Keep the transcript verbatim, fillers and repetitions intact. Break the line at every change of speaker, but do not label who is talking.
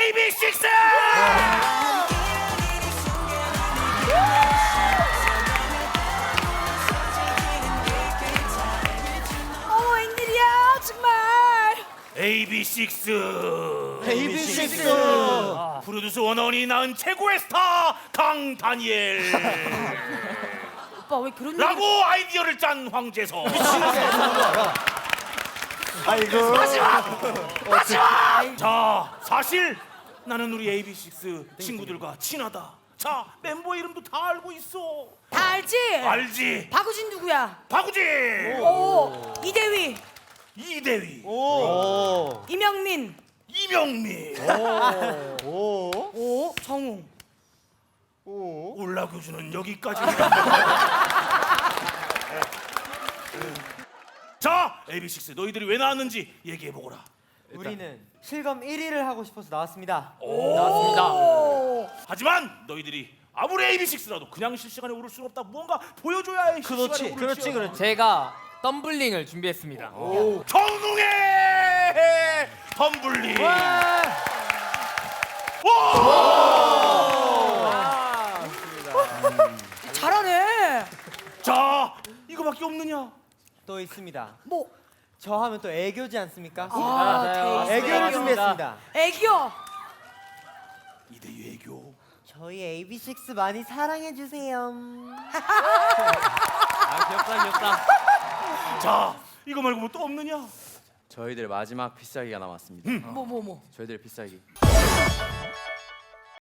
에이비식스!
어머 웬일이야 정말.
에이비식스
에이비식스
프로듀서 원원이 낳은 최고의 스타 강다니엘
오빠 왜 그런 얘기?
라고 아이디어를 짠 황재석.
아이고
하지마! 자, 사실 나는 우리 에이비식스 친구들과 친하다. 자, 멤버 이름도 다 알고 있어.
다 알지?
알지?
박우진 누구야?
박우진,
오. 이대휘,
이대휘,
오
이명민,
이명민,
오
오. 정웅.
오
올라교주는 여기까지. 자, 에이비식스 너희들이 왜 나왔는지 얘기해보거라.
우리는 실검 일 위를 하고 싶어서 나왔습니다.
오.
하지만 너희들이 아무리 에이비식스라도 그냥 실시간에 오를 수는 없다. 무언가 보여줘야 해.
그렇지,
실시간에 오를
그렇지,
수.
그렇지.
제가 덤블링을 준비했습니다.
정웅의 덤블링.
잘하네.
자, 이거밖에 없느냐?
또 있습니다.
뭐?
저 하면 또 애교지 않습니까?
아,
네,
데이스.
애교를 준비했습니다.
애교.
이대유 애교.
저희 에이비식스 많이 사랑해 주세요.
아, 귀엽다, 귀엽다.
자, 이거 말고 뭐 또 없느냐?
저희들 마지막 필살기가 남았습니다.
뭐 뭐 뭐.
저희들 필살기